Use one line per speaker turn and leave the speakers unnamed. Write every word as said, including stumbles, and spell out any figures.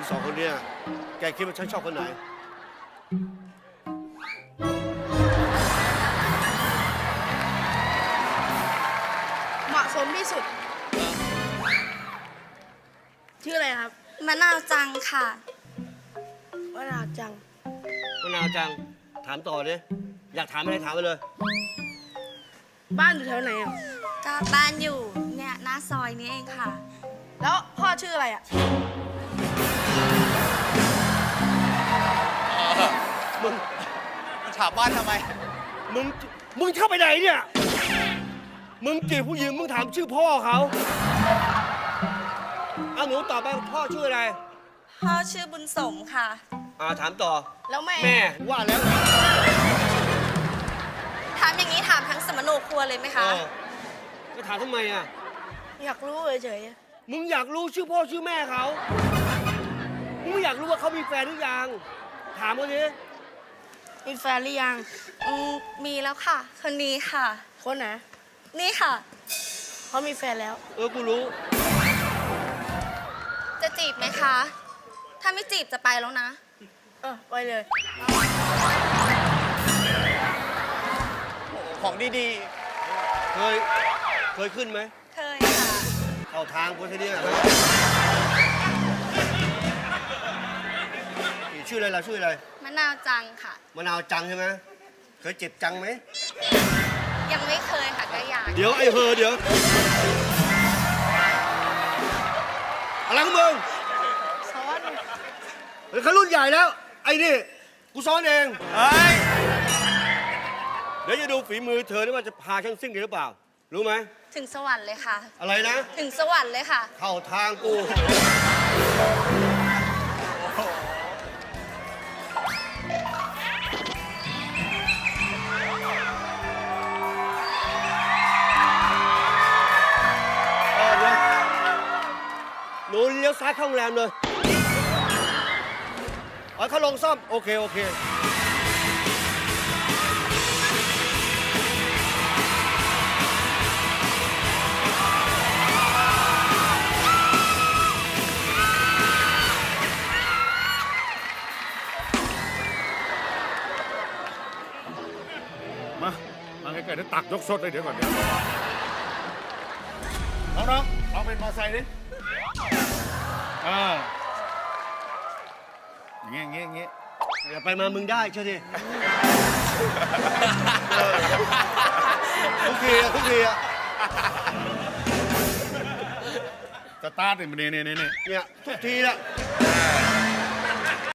งสองคนเนี่ยแกคิดว่าฉันชอบคนไหน
เหมาะสมที่สุดชื่ออะไรครับ
มะนาวจังค่ะ
มะนาวจัง
มะนาวจังถามต่อดิอยากถามอะไรถามไปเลย
บ้านอยู่แถวไหนอ่ะ
ก็บ้านอยู่เนี่ยหน้าซอยนี้เองค่ะ
แล้วพ่อชื่ออะไรอ่ะ
มึง
ถามบ้านทำไม
มึงมึงเข้าไปไหนเนี่ยมึงจีบผู้หญิงมึงถามชื่อพ่อเขาเอาหนูตอบไปพ่อชื่ออะไร
พ่อชื่อบุญสมค่ะ
อ่าถามต่อ
แล้วแม่
แม่ว่าแล้ว
ถามอย่างนี้ถามทั้งสมโนครัวเลยไหม
เอ
คะ
อก็ถามทำไมอ่ะ
อยากรู้เฉย
มึงอยากรู้ชื่อพ่อชื่อแม่เขามึงไม่อยากรู้ว่าเขามีแฟนหรือยังถามเขาดิ
ๆมีแฟนหรือยัง
อืมมีแล้วค่ะ คนนี้ค่ะ
คนไหน
นี่ค่ะ
เขามีแฟนแล้ว
เออกูรู้
จะจีบไหมคะ ถ้าไม่จีบจะไปแล้วนะ
เออไปเลย
ของดี
เคยเคยขึ้นไหม
เคยค่ะ
เข้าทางกูทีเนี้ยชื่ออะไรล่ะชื่ออะไร
มะนาวจังค่ะ
มะนาวจังใช่ไหมเคยเจ็บจังไหม
ยังไม่เคยค่ะก็อยาก
เดี๋ยวไอ้เฮอเดี๋ยวอะไรของมึง
ซ้อน
เฮ้ยเขารุ่นใหญ่แล้ว ไอ้นี่กูซ้อนเอง
ๆ เฮ้ย
เดี๋ยวจะดูฝีมือเธอนี่ว่าจะพาฉันซิ่งได้หรือเปล่า รู้ไหม
ถึงสวรรค์เลยค่ะ
อะไรนะ
ถึงสวรรค์เลยค่ะ
เข้าทางกู เออเดี๋ยวหนูเลี้ยวซ้ายเข้าโรงแรมเลยเอาเขาลงซ่อม โอเค โอเค
มา มาใกล้ๆเดี๋ยวตักยกสดเลยเดี๋ยวก่อนเดี๋ยวน้องๆลองเป็นมอไซค์ดิอ่าอย่างเงี้ยอย่างเงี้ยอย่างเงี้ย
เดี๋ยวไปมามึงได้เชื่อดิทุกทีอะทุกทีอะ
สตาร์ทเนี่ยเนี่ยเนี่ยเนี่ย
เนี่ยทุกทีละ
เ